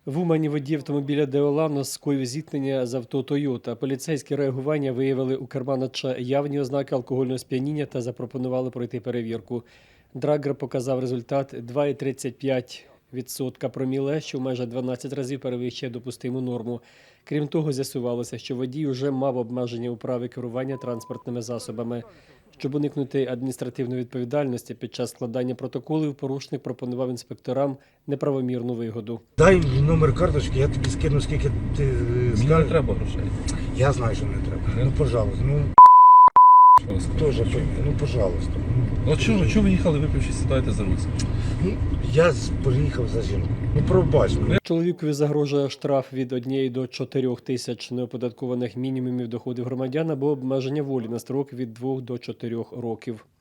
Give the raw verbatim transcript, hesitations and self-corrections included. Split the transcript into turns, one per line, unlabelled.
В Умані водій автомобіля «Деолано» скоїв зіткнення з авто «Тойота». Поліцейські реагування виявили у керманича явні ознаки алкогольного сп'яніння та запропонували пройти перевірку. Драгер показав результат два цілих тридцять п'ять відсотка проміле, що майже дванадцять разів перевищує допустиму норму. Крім того, з'ясувалося, що водій уже мав обмеження у праві керування транспортними засобами. Щоб уникнути адміністративної відповідальності, під час складання протоколів порушник пропонував інспекторам неправомірну вигоду.
Дай номер карточки, я тобі скину, скільки ти е,
Мені
скажеш.
не треба грошей.
Я знаю, що не треба.
Не?
Ну, пожалуйста, ну,
Що ви скажете?
теж пойми, ну, пожалуйста.
Ну чого, чого ви їхали, випивши, сідаєте за руль?
Ну, я з- приїхав за жінку. Ну, пробач мене.
Чоловікові загрожує штраф від однієї до чотирьох тисяч неоподаткованих мінімумів доходів громадян або обмеження волі на строк від двох до чотирьох років.